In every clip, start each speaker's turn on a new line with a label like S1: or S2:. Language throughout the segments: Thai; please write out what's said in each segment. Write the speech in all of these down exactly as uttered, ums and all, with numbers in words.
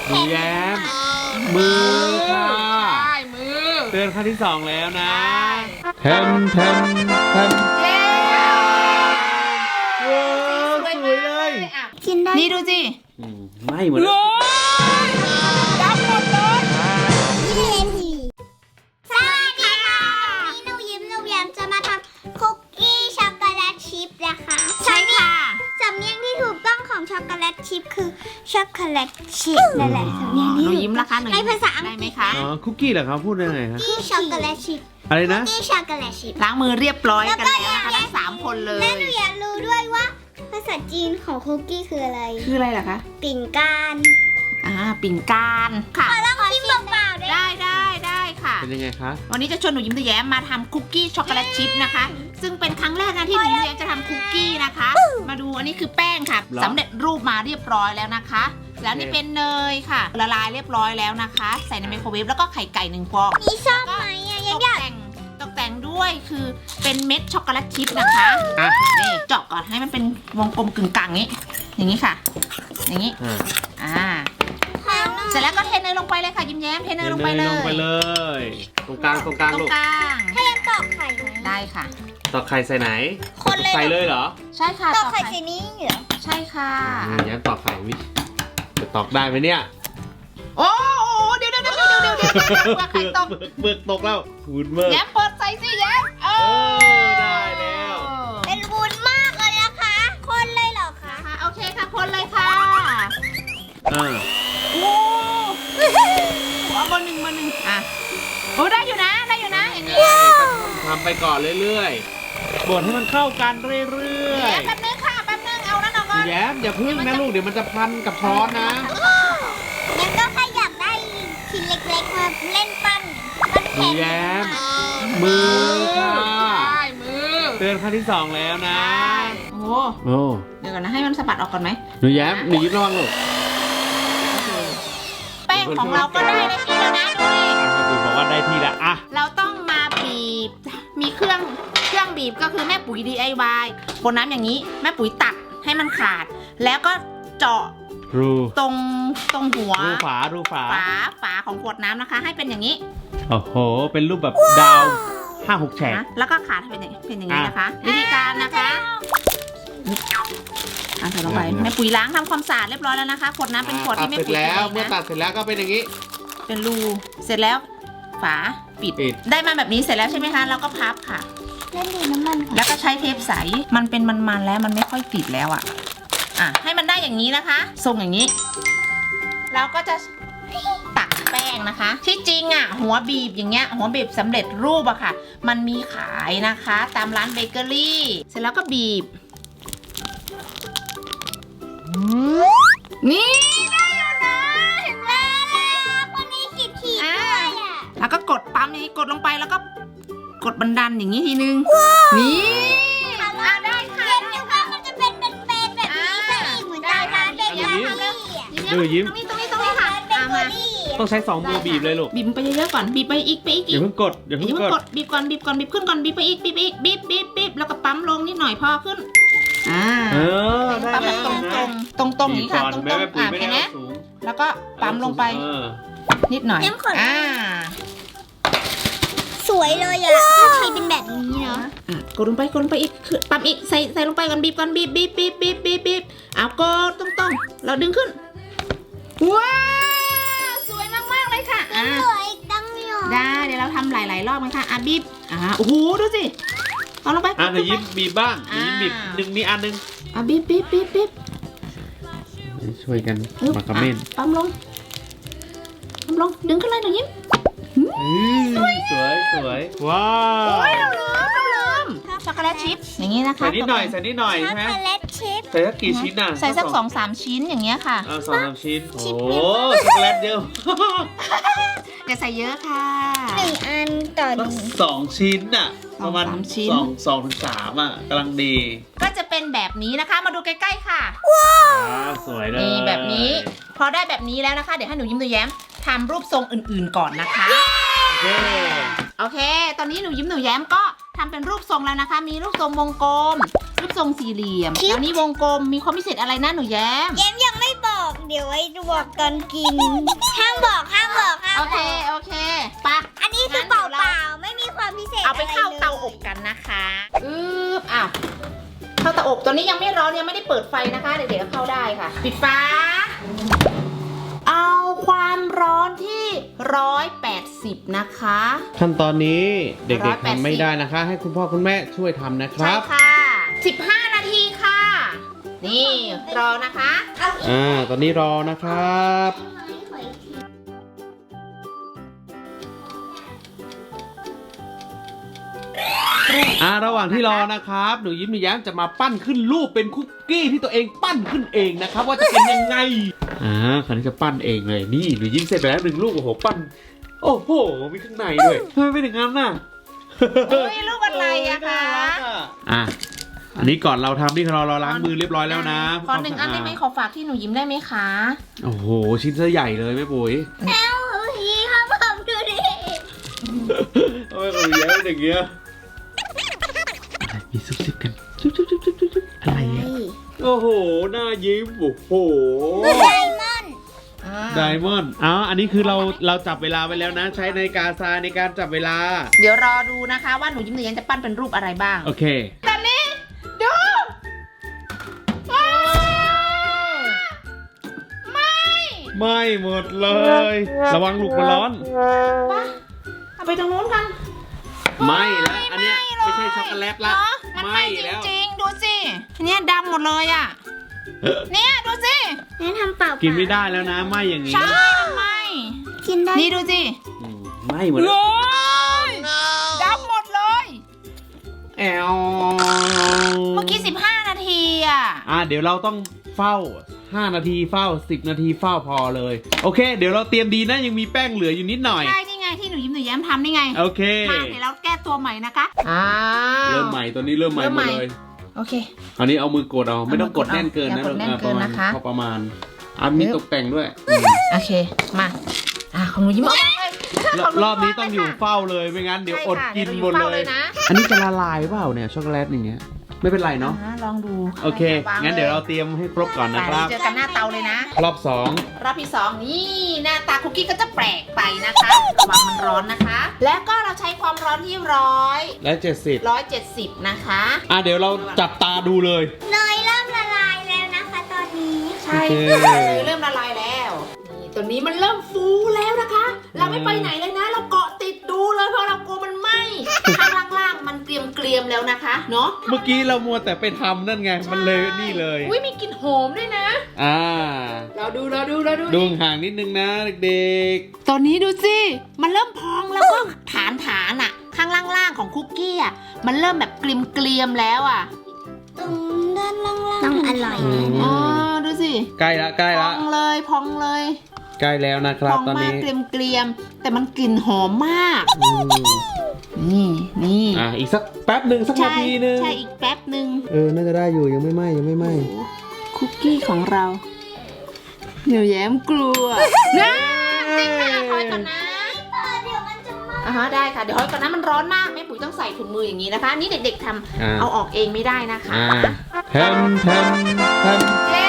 S1: หนูแย้มมือค่ะ
S2: ใช่มือ
S1: เตือนขั้นที่สองแล้วนะแทมแทมแทม
S2: เย้
S1: ว้าวสวยเลย
S3: กินได้
S2: นี่ดูสิ
S1: ไม่เหมือน
S2: ดับหมดเลย
S3: สวัสดีค่ะนี่หนูยิ้มหนูแย้มจะมาทำคุกกี้ช็อกโกแลตชิพนะคะ
S2: ใช่ค่ะ
S3: สำเนียงที่ถูกต้องของช็อกโกแลตชิพคือช็อกโกแลตชิพนั่นแหละสำเนียงที่
S2: หนูยิ้มละคะหนู
S3: ในภาษาอังกฤษ
S2: คะ
S1: อ๋อคุกกี้เหรอครับพูดได้ไงครับ
S3: คุกกี้ช็อกโกแลตชิพ
S1: อะไรนะ
S3: คุกกี้ช็อกโกแลตชิพ
S2: ล้างมือเรียบร้อยกันแล้วนะคะทั้งสามคนเลย
S3: และหนูอยากรู้ด้วยว่าภาษาจีนของคุกกี้คืออะไร
S2: คืออะไรล่ะคะ
S3: ปิ่นการ
S2: อ่าปิ่นการค่ะ
S3: ขอลองชิมเปล่าๆ
S2: ได้ได้ได้ค่ะ
S1: เป็นยังไงคะ
S2: วันนี้จะชวนหนูยิ้มแย้มมาทำคุกกี้ช็อกโกแลตชิพนะคะซึ่งเป็นครั้งแรกนะที่หนูยิ้มแย้มจะทำคุกกี้นะคะมาดูอันนี้คือแป้งค่ะสำเร็จรูปมาเรียบร้อยแล้วนะคะแล้วนี่เป็นเนยค่ะละลายเรียบร้อยแล้วนะคะใส่ในไมโครเวฟแล้วก็ไข่ไก่หนึ่งฟอง
S3: มีซ่อมไหมอ่ะ
S2: ตกแต่งตกแต่งด้วยคือเป็นเม็ดช็อกโกแลตชิพนะคะนี่เจาะก่อนให้มันเป็นวงกลมกึ่งกลางนี้อย่างนี้ค่ะอย่างนี้อ่าเสร็จแล้วก็เทเนยลงไปเลยค่ะยิ้มแย้มเทเนยลงไปเลย
S1: ลงไปเลยตรงกลางตรงกลางลูก
S2: ตรงกลาง
S3: ให้ยังตอกไข่ไหม
S2: ได้ค่ะ
S1: ตอกไข่ใส่ไหน
S3: คนเลย
S1: ใส่เลยเหรอ
S2: ใช่ค่ะ
S3: ตอกไข่ใส่นี้เหรอ
S2: ใช่ค่ะ
S1: แย้มตอกไข่วิจะตอกได้ไหมเนี่ย
S2: โอ้โหเดี๋ยวเดี๋ยวเดี๋ยวเดี๋ยวเดี๋ยวเดี๋ยวเปลือกไข่ตก
S1: เปลือกตกแล้ววุ้นเมื่อ
S2: แย้มเปิดใส่สิแย้มเอ
S1: อได้แล้ว
S3: เป็นวุ้นมากเลยนะคะคนเลยเหรอคะ
S2: ค่ะโอเคค่ะคนเลยค่ะ
S1: อ่า
S2: โอ้เอาเบอร์หนึ่งเบอร์หนึ่งอ่ะโอ้ได้อยู่นะได้อยู่นะอย่างนี้
S1: ทำไปก่อนเรื่อยๆบดให้มันเข้ากันเรื่อย
S2: ๆแป๊บนึงค่ะแป๊บนึงเอานั่นออกก่อน
S1: แย้มอย่าพึ่งนะลูกเดี๋ยวมันจะพันกับช้อนนะ
S3: งั้นก็แค่อยากได้ชิ้นเล็กๆมาเล่นปั้นปั้นแผ่น
S1: แย้มมือค่ะ
S2: ใช่มือ
S1: เตือนขั้นที่สองแล้วนะ
S2: โอ้
S1: โอ้
S2: เดี๋ยวก่อนนะให้มันสะบัดออกก่อนไหม
S1: หนูแย้มหนูยิ้มระวังลูก
S2: แป้งของเราก็ได้ได้ที่แล้วนะดูดิ
S1: บอกว่าได้ที่แล้วอะ
S2: เราต้องมาบีบมีเครื่องเครื่องบีบก็คือแม่ปุ๋ย ดี ไอ วาย บนน้ำอย่างนี้แม่ปุ๋ยตัดให้มันขาดแล้วก็เจาะ
S1: รู
S2: ตรงตรงหัว
S1: รูฝารูฝา
S2: ฝาฝาของขวดน้ำนะคะให้เป็นอย่างนี้
S1: โอ้โหเป็นรูปแบบดาวห้าหกแฉก
S2: แล้วก็ขาดเป็นอย่างเป็นอย่างนี้นะคะวิธีการนะคะอ่ะใส่ลงไปแม่ปุ๋ยล้างทำความสะอาดเรียบร้อยแล้วนะคะขวดน้ำเป็นขวดที่แม่ปุ๋ย
S1: แล้วเมื่อตัดเสร็จแล้วก็เป็นอย่างนี้
S2: เป็นรูเสร็จแล้วฝาปิดได้มาแบบนี้เสร็จแล้วใช่ไหมคะแล้วก็พับค่ะ
S3: เล่นดูน้ำมัน
S2: แล้วก็ใช้เทปใสมันเป็นมันๆแล้วมันไม่ค่อยติดแล้วอ่ะอ่ะให้มันได้อย่างนี้นะคะทรงอย่างนี้เราก็จะตักแป้งนะคะที่จริงอ่ะหัวบีบอย่างเงี้ยหัวบีบสำเร็จรูปอะค่ะมันมีขายนะคะตามร้านเบเกอรี่เสร็จแล้วก็บีบนี่ได้อยู่นะเห็นไหม
S3: คนนี้ขีดขีดด้วยอ่ะ
S2: แล้วก็กดปั๊มนี้กดลงไปแล้วก็กดบันดันอย่างนี้ทีนึงนี่
S3: อ่ะได้ค่ะเดี๋ยวว่ามันจะเป็นเป็นเป็นแบบนี้ไปอีกเหมือนตามร้านเบเกอรี่อ่ะ
S1: ดูยิ้ม
S2: ตรงนี้ตรงนี้ตรงนี้ค่ะมา
S1: ต้องใช้สองมือบีบเลยลูก
S2: บีบไปเยอะๆก่อนบีบไปอีกไปอีก
S1: อย่าเพิ่งกดอย่าเพิ่ง
S2: กดบีบก่อนบีบก่อนบีบขึ้นก่อนบีบไปอีกบีบอีกบีบบีบบีบแล้วก็ปั๊มลงนิดหน่อยพอขึ้นอ่า
S1: เออ
S2: ปั๊มแบบตรงตรงตรงนี้ค่ะตรงตรงอ่าแค่นี้แล้วก็ปั๊มลงไปนิดหน่อยอ่า
S3: สวยเลยอ่ะถ้าใช้เป็นแบบนี้เนาะ
S2: กดลงไปกดลงไปอีกปั๊มอีกใส่ใส่ลงไปก่อนบีบก่อนบีบบีบบีบบีบบีบบีบเอากดตรงตรงเราดึงขึ้นว้าวสวยมากมากเลยค่ะ
S3: อ่าสวยตั้งเยอะ
S2: ได้เดี๋ยวเราทำหลายๆรอบกันค่ะอ่ะบีบอ่าโอ้โหดูสิเอาลงไป
S1: อ่ะเดี๋ยวยิ้มบีบบ้างยิ้มบีบหนึ่งมีอันหนึ่ง
S2: อ่ะบีบบีบบีบบีบ
S1: ช่วยกันมาคอมเมนต์
S2: ปั๊มลงปั๊มลงดึงขึ้นเลยหนูยิ้ม
S1: สวยสวยสวยว้าว
S2: โอ้ยเราลืมเราลืมช็อกโกแลตชิพอย่างนี้นะคะ
S1: ใส่นิดหน่อยใส่นิดหน่อยใช่ไหม
S3: ช็อกโกแลตชิพ
S1: ใส่สักกี่ชิ้นน่ะ
S2: ใส่สักสองสามชิ้นอย่างเงี้ยค่ะ
S1: เออสองสามชิ้นโอ้ช็อกโกแลตเยอะ
S2: อย่าใส่เยอะค่ะ
S3: หนึ่งอันต่อหนึ่ง
S1: สองชิ้นน่ะประมาณสองสองถึงสามอ่ะกำลังดี
S2: ก็จะเป็นแบบนี้นะคะมาดูใกล้ๆค่ะ
S3: ว้
S1: าวสวยเลย
S2: นี่แบบนี้พอได้แบบนี้แล้วนะคะเดี๋ยวให้หนูยิ้มตัวแย้มทำรูปทรงอื่นๆก่อนนะคะ
S1: โอเค
S2: โอเคตอนนี้หนูยิ้มหนูแย้มก็ทำเป็นรูปทรงแล้วนะคะมีรูปทรงวงกลมรูปทรงสี่เหลี่ยมแล้วนี่วงกลมมีความพิเศษอะไรนะหนูแย้ม
S3: แย้มยังไม่บอกเดี๋ยวไว้บอกตอนกิน ห้ามบอกห้ามบอกห้าม
S2: โอ
S3: บอก
S2: เคโอเคไปะ
S3: อันนี้คือเปล่าๆไม่มีความพิเศษ
S2: เอาไปเข้า
S3: อะไรลย
S2: เตาอบกันนะคะอึ๊บอ้าวเข้าเตาอบตัวนี้ยังไม่ร้อนยังไม่ได้เปิดไฟนะคะเด็กๆก็เข้าได้ค่ะปิดฝาเอาความร้อนที่ร้อยแปดสิบนะคะ
S1: ขั้นตอนนี้เด็กๆ
S2: ร้อยแปดสิบ
S1: ทำไม่ได้นะคะ ให้คุณพ่อคุณแม่ช่วยทำนะค
S2: ใช่
S1: รับ
S2: ค่ะสิบห้านาทีค่ะ นี่รอนะคะ
S1: อ่า ตอนนี้รอนะครับ อ่า ระหว่างที่รอนะครับ หนูยิ้มหนูแย้มจะมาปั้นขึ้นรูปเป็นคุกกี้ที่ตัวเองปั้นขึ้นเองนะครับ ว่าจะเป็นยังไง อ่าคราวนี้จะปั้นเองเลย นี่หนูยิ้มเสร็จไปแล้วหนึ่งลูกโอ้โห ปั้น โอ้โห มีข้างในด้วยทำไมเป็นอย่างนั้นน่ะ
S2: เฮ้ยลูกอะไรอะคะ
S1: อ่ะ อันนี้ก่อนเราทำที่เราเราล้างมือเรียบร้อยแล้วนะ
S2: ขอหนึ่งอันได้ไหมขอฝากที่หนูยิ้มได้ไหมคะ
S1: โอ้โห ชิ้นซะใหญ่เลยแม่ปุ๋ย
S3: แล้วพี่ครับผมดูดิ
S1: ทำไมเขาเยอะอย่างเงี้ยมีซุบซิบกันซุบซุบซุบซุบซุบอะไรอ่ะโอ้โห หน้ายิ้ม โอ้โห
S3: ไดมอนด์
S1: ไดมอนด์อ๋ออันนี้คือเราเราจับเวลาไว้แล้วนะ ใช้นาฬิกาทรายในการจับเวลา
S2: เดี๋ยวรอดูนะคะว่าหนูยิ้มหนูยังจะปั้นเป็นรูปอะไรบ้าง
S1: โอเค
S2: ตอนนี้ดูไม่
S1: ไม่หมดเลย ระวังลูกมันร้อน
S2: ปะเอาไปตรงนู้นกัน
S1: ไม่แล้วอันเนี้ยไม่ใช่ช็อกโกแลตละ
S2: เนอะมันไหม่จ
S1: แล้ว
S2: ริงๆ ดูสิเนี่ยดำหมดเลยอ่ะ เนี่ยดูสิ
S3: งั้นทำเปล่าๆ
S1: กินไม่ได้แล้วนะไม่อย่างนี้
S2: ใช่มันไหม่
S3: กินได้
S2: นี่ดูสิ
S1: อืมไม่หมด
S2: เล
S1: เลย
S2: ยดำหมดเลย
S1: แอว
S2: เมื่อกี้สิบห้านาทีอ่ะ
S1: อ่ะเดี๋ยวเราต้องเฝ้าห้านาทีเฝ้าสิบนาทีเฝ้าพอเลย โอเค เดี๋ยวเราเตรียมดีนะยังมีแป้งเหลืออยู่นิดหน่อย
S2: ใช่นี่ไงที่หนูยิ้มหนูแย้มทำนี่ไง
S1: โอเค
S2: มาเดี๋ยวเราแก้ตัวใหม่นะคะอ้าว
S1: เริ่มใหม่ตัวนี้เริ่มใหม่
S2: เริ่ม
S1: หม
S2: ใหม่
S1: ดเลย
S2: โอเค
S1: คราวนี้เอามือกดเอาไม่ต้องกด
S2: เอามือกด
S1: แน่นเกินนะ
S2: อย่ากดแน่นเกินนะคะ
S1: พอประมาณอ่ะมีตกแต่งด้วยอืม
S2: โอเค มาอ่ะของหนูยิ้มเอา
S1: รอบรอบนี้ต้องอยู่เฝ้าเลยไม่งั้นเดี๋ยวอดกินหมด
S2: ใช่ค่ะ
S1: เลย
S2: ดี๋วราอนะ
S1: อันนี้จะละลายเปล่าเนี่ยช็อกโกแลตอย่างเงี้ยไม่เป็นไรเนาะ
S2: อ่ลองดู
S1: โอเค งั้นเดี๋ยวเราเตรียมให้ครบก่อนนะ
S2: ไป
S1: ครับ
S2: เจอกันหน้าเตาเลยนะ
S1: รอบสอง
S2: รอบที่สองนี่หน้าตาคุกกี้ก็จะแปลกไปนะคะระวังมันร้อนนะคะ และก็เราใช้ความร้อนที่ร้อย
S1: และเจ็ดสิบ
S2: ร้อยเจ็ดสิบนะคะ
S1: อ่ะเดี๋ยวเราจับตาดูเลย
S3: เนยเริ่มละลายแล้วนะคะตอนนี้
S2: ใช่
S1: โอเค
S2: ค่ะเลยเริ่มละลายแล้วนี่ตัวนี้มันเริ่มฟูแล้วนะคะ เราไม่ไปไหนเลยนะ เราเกาะติดดูเลยเพราะเรากลัวมันไหม้ข้างล่างๆมันเกรียมๆแล้วนะคะเนาะ
S1: เมื่อกี้เรามัวแต่ไปทำนั่นไง มันเลยนี่เลย
S2: อุ้ยมีกลิ่นหอมด้วยนะ
S1: อ่า
S2: เราดูเราดูเราดู
S1: ดูห่างนิดนึงนะเด็ก
S2: ตอนนี้ดูสิมันเริ่มพองแล้วก็ฐานฐานอะข้างล่างๆของคุกกี้อะมันเริ่มแบบเกรียมๆแล้วอะ
S3: ตรงด้านล่างๆต้องอร่อย
S1: ๆอืม
S2: อ๋อดูสิ
S1: ใกล้ละใกล้
S2: พ
S1: ละ
S2: องเลยพองเลย
S1: ใกล้แล้วนะค
S2: พ
S1: รับ
S2: อง
S1: ตอน
S2: มาก
S1: นี้
S2: เกรียมๆแต่มันกลิ่นหอมมาก
S1: อืม
S2: นี่นี่
S1: อ่ะอีกสักแป๊บหนึ่งสักนา
S2: ใช่
S1: ทีหนึง
S2: ใช่อีกแป๊บหนึ่ง
S1: เออ น่าจะได้อยู่ยังไม่ไหม้ยังไม่ไหม้
S2: คุกกี้ของเราหนูแย้มกลัวนะติ๊กนะถอยก่อนนะ
S3: เดี๋ยวมันจะไหม้
S2: อ่าฮะได้ค่ะเดี๋ยวถอยก่อนนะมันร้อนมากแม่ปุ๋ยต้องใส่ถุงมืออย่างนี้นะคะ นี่เด็กๆทำ
S1: อ่า
S2: เอาออกเองไม่ได้นะคะ
S1: อ่าแทมแทมแทม
S2: เย้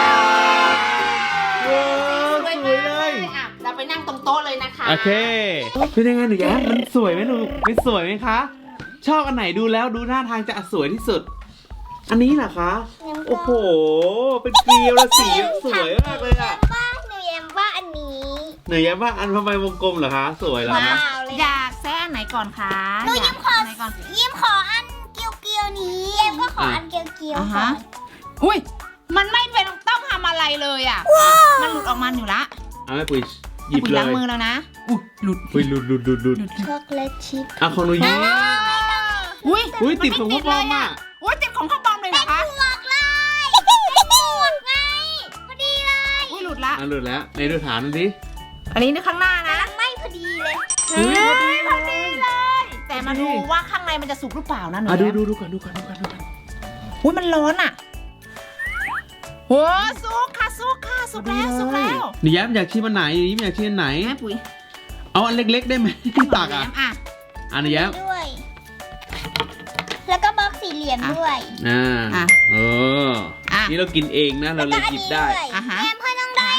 S1: ว้าวสวยเลย
S2: อ่ะเราไปนั่งตรงโต๊ะเลยนะคะ
S1: โอเคเป็นยังไงหนูแย้มมันสวยไหมหนูมันสวยไหมคะ ชอบอันไหนดูแล้วดูหน้าทางจะสวยที่สุด อันนี้เหรอคะ โอ้โห เป็นเกลียวและสีสวยมากเลยอะ
S3: ว่าหนูแย้มว่าอันนี้
S1: หนูแย้มว่าอันทำไมวงกลมเหรอคะ สวยเหรอ
S3: ว้า
S1: คะ
S3: วเลย
S2: อยากแซ่อันไหนก่อนคะ
S3: หนูยิ้มขอ
S2: อยากอันไหนก่อน
S3: ยิ้มขออันเกียวเกียวๆนี้เอ็มก็ขออันเกียวเกียว
S2: อ่า
S3: ๆก่
S2: ฮะ
S3: อน
S2: อุ้ยมันไม่เป็นต้องทำอะไรเลยอ่ะมันหลุดออกมาอยู่ละ
S1: เอาแม่ปุ๋ยหยิบ
S2: ปุ๋ย
S1: เล
S2: ล้าง
S1: ย
S2: มือแล้วนะอุ้ยหลุด
S1: ปุ๋ยหลุดหลุดหลุดหลุด
S3: ช็อกโกแลตชิพ
S1: อ่ะของหนูยิ้ม
S2: อุ้ย
S1: อุ้ยติด
S2: มัน
S1: ของ
S2: ไม่
S1: พ่อปอม
S2: เลย
S1: อ่ะ
S2: อุ้ยติดของข้าวบอมเลยเหรอคะ
S3: หมวกเลยเป็นหมวกไงพอดีเลย
S2: อุ้ยหลุดละ
S1: อ่ะหลุดแล้วในดูฐานดูสิ
S2: อันนี้ข้างหน้านะ
S3: ไม่พอดีเลย
S1: อุ้ยพอดี
S2: พอดีเลย แต่มาดูว่าข้างในมันจะสุกหรือเปล่านะหนู
S1: อ่ะดู
S2: แย้ม
S1: ดูดูก่อนดูก่อนดูก่อนดูก่อน
S2: อุ้ยมันร้อนอ่ะโอ้สุกค่ะสุกค่ะสุกแล้วสุกแล้ว
S1: หนูแย้มอยากชิมอันไหนหนูยิ้มอยากชิมอันไหน
S2: แม่ปุ๋ย
S1: เอาอันเล็กๆได้ไหมที่ตักอ่ะ
S2: อ่ะ
S1: อันหนูแย้ม
S3: ด้วย แล้วก็บล็อกสี่เหลี่ยมด้วย
S1: อ่า
S2: อ่ะ
S1: เออ
S2: อ่ะ
S1: นี่เรากินเองนะเราเลยหยิบได้
S3: แล้วก็อันนี้วย
S2: อ่ะฮะ
S3: แอมเพื่อนน้องได้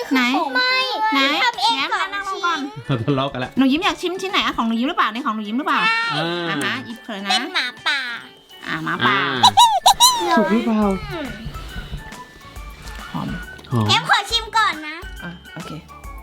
S2: ไหน
S3: ไม่
S2: ไหน
S3: ทำเอง
S2: แย้ม
S3: ก่อน
S2: นั่งลงก่อน
S1: เราทะเลาะกันแล้ว
S2: หนูยิ้มอยากชิมชิ้นไหนอะของหนูยิ้มหรือเปล่าในของหนูยิ้มหรือเปล่า
S1: อ่า
S2: อ่ะฮะหยิบเลย
S3: เป็
S2: นะ
S3: นหมาป่า
S2: อ่ะหมาป่า
S1: สุกหรือเปล่า
S2: หอม
S1: หอม
S3: แย้มขอชิมก่อนนะ
S2: อ่ะโอเค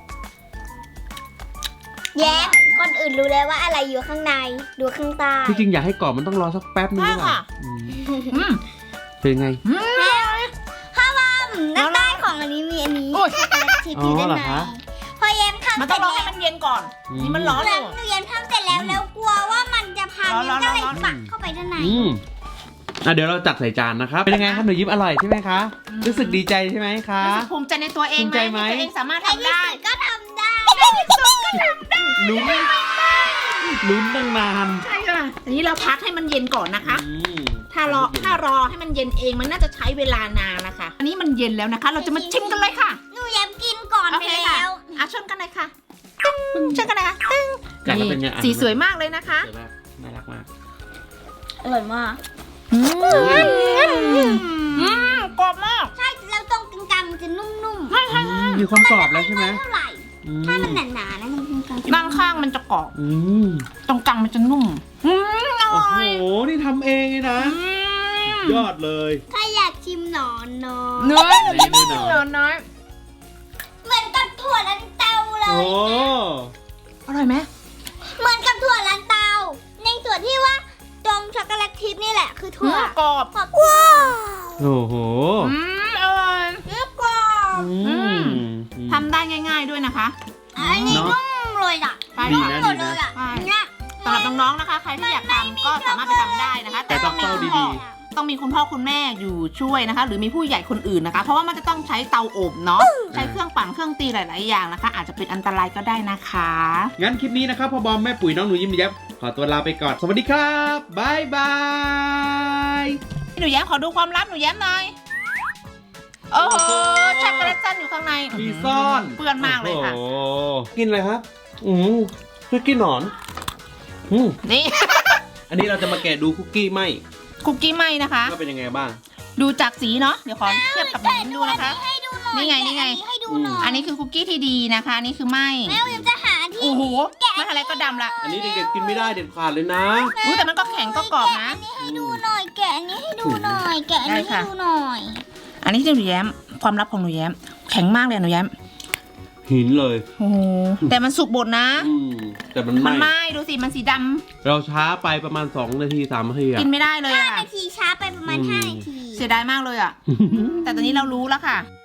S3: แย้มคนอื่นรู้แล้วว่าอะไรอยู่ข้างในดูข้างใต้
S1: ที่จริงอยากให้กรอบมันต้องรอสักแป๊บนึงหรือเปล่าอืม
S2: อืม
S1: เป็นไง
S2: อืม
S3: ข้าวมันน้ำใต้ของอันนี้มีอันนี้
S2: โอ้ย
S3: ช็อกโกแลตชิพอยู่ด้าน
S1: อ๋อเหรอ
S3: ใน
S1: คะ
S3: พอแย้มทำ
S2: มัน
S3: เส
S2: ต้อ
S3: ร็
S2: ง
S3: จ
S2: รอ
S3: แล้ว
S2: ให้มันเย็นก่อน
S1: อืม
S2: นี่มันร้อน
S3: แล้
S2: อ
S3: ว
S2: ยู่
S3: หนูแย้มทำเสร็จแล้วแล้วกลัวว่ามันจะพัง
S2: ร้อนๆ
S3: ก็เลย
S2: ร้อนๆ
S3: ปักเข้าไปด้านใน
S1: อืมอ่ะเดี๋ยวเราจัดใส่จานนะครับ เป็นยังไงครับหนูยิ้มอร่อยใช่ไหมคะ
S2: อืม
S1: รู้สึกดีใจใช่ไหมคะ
S2: รู้สึกภูมิใจในตัวเอง
S1: ภูมิใจไหม
S2: ที่ตัวเองสามารถ
S3: ใน
S2: ทำ
S3: ที่
S2: ได้
S3: สุดก็ทำได้
S1: ลุ้นลุ้นตั้งนาน
S2: ใช่ค่ะทีนี้เราพักให้มันเย็นก่อนนะคะ
S1: อืม
S2: ถ้ารอถ้ารอให้มันเย็นเองมันน่าจะใช้เวลานานนะคะ อันนี้มันเย็นแล้วนะคะ เราจะมาชิมกันเลยค่ะ
S3: หนูแย้มกินก่อน
S2: โอ
S3: ไป
S2: เคค่ะ
S3: แล้ว
S2: อ่ะชนกันเลยค่ะตึ้งชนกันเลยค่ะตึ้ง
S1: กัดแล้วเป็นไงอ่ะ
S2: สีสวยมากเลยนะคะ
S1: สวยมากน่ารักมาก
S3: อร่อยมาก
S2: อืมอืมกรอบมาก
S3: ใช่แล้วตรงกลางๆมันจะนุ่ม
S2: ใช่ใช่
S1: อืมมีความกรอบแล้วใช่ไหม
S3: ๆเท่าไหร่
S1: อืม
S3: ถ้ามันหนาๆนะมันกลางๆ
S2: ด้านข้างมันจะกรอบ
S1: อืม
S2: ตรงกลางมันจะนุ่มอืมอ
S1: โอ้
S2: ร่
S1: โห
S2: อย
S1: นี่ทำเองเลยนะ
S2: อืม
S1: ยอดเลย
S3: ใครอยากชิมหนอนเนาะ
S2: เนื้อ
S1: ไหนเนื้อหนอน
S2: เนื้อน้อย
S3: เหมือนกับถั่วลันเตาเล
S1: โอ้
S3: ย
S2: อร่อยไหม
S3: เหมือนกับถั่วลันเตา ในส่วนที่ว่าตรงช็อกโกแลตทิพย์นี่แหละคือถั่ว
S2: กรอบ
S3: ขอบว้าว
S1: โอ้โห
S2: อืมอร่อย
S3: เรียบกรอบ
S1: อืม
S2: ทำได้ง่ายๆด้วยนะคะ
S3: อันนี้
S1: เนอะ
S3: นุ่มเลยอ่ะ
S2: ใช่
S1: ดี
S2: ค่ะ
S1: นะ
S3: หมดเลยอ่ะ
S2: ใช่
S3: เนี่ย
S2: สำหรับน้องๆนะคะ ใครที่อยากทำก็สามารถไปทำได้นะคะ
S1: แต่ต้อง
S2: มี
S1: เฝ้า
S2: คุณ
S1: ดี
S2: พ่อต้องมีคุณพ่อคุณแม่อยู่ช่วยนะคะ หรือมีผู้ใหญ่คนอื่นนะคะ เพราะว่ามันจะต้องใช้เตาอบเนาะใช้เครื่องปั่นเครื่องตีหลายๆอย่างนะคะ อาจจะเป็นอันตรายก็ได้นะคะ
S1: งั้นคลิปนี้นะครับพ่อบอมแม่ปุ๋ยน้องหนูยิ้มแย้มขอตัวลาไปก่อน สวัสดีครับบายบาย
S2: หนูแย้มขอดูความลับหนูแย้มหน่อยโอ้โหช็อกโกแลตซันอยู่ข้างใน
S1: มีซ่อน
S2: เปื้อนมากเลยค่ะ
S1: โอ้โหกินอะไรครับ อืมคุกกี้หนอน อืม
S2: นี่
S1: อันนี้เราจะมาแกะดูคุกกี้ไหม
S2: คุกกี้ไหมนะคะ
S1: ว่าเป็นยังไงบ้าง
S2: ดูจากสีเนาะเดี๋ยวขอเทียบกับหนูยิ้มดูนะคะ
S3: ให้ดูหน่อย
S2: นี่ไงนี่ไง
S3: แกะอัให้ดูหน่อย
S2: อันนี้คือคุกกี้ที่ดีนะคะอันนี่คือไหม
S3: แม่วิมจะหาที่
S2: โอ้โหไม่อะไรก็ดำละ
S1: อันนี้เด็กๆกินไม่ได้เด็ดขาดเลยนะ
S2: อุ้ยแต่มันก็แข็งก็กรอบนะ
S3: แกะอันนี้ให้ดูหน่อย แกะอันนี้ให้ดูหน่อย แกะอันนี้
S2: ได้
S3: ให้
S2: ค่ะ
S3: ดูหน่อย
S2: อันนี้ที่หนูแย้มความลับของหนูแย้มแข็งมากเลยอะหนูแย้ม
S1: หินเลย
S2: โอ้โหแต่มันสุกบดนะ
S1: อืมแต่มัน
S2: มัน
S1: ไห
S2: ไห
S1: ม่
S2: ม้ดูสิมันสีดำ
S1: เราช้าไปประมาณสองนาทีสามนาทีอะ
S2: กินไม่ได้เลย
S3: ห้า
S2: อะ
S3: นาทีช้าไปประมาณ
S1: อืม
S3: ห้านาที
S2: เสียดายมากเลยอะแต่ตอนนี้เรารู้แล้วค่ะ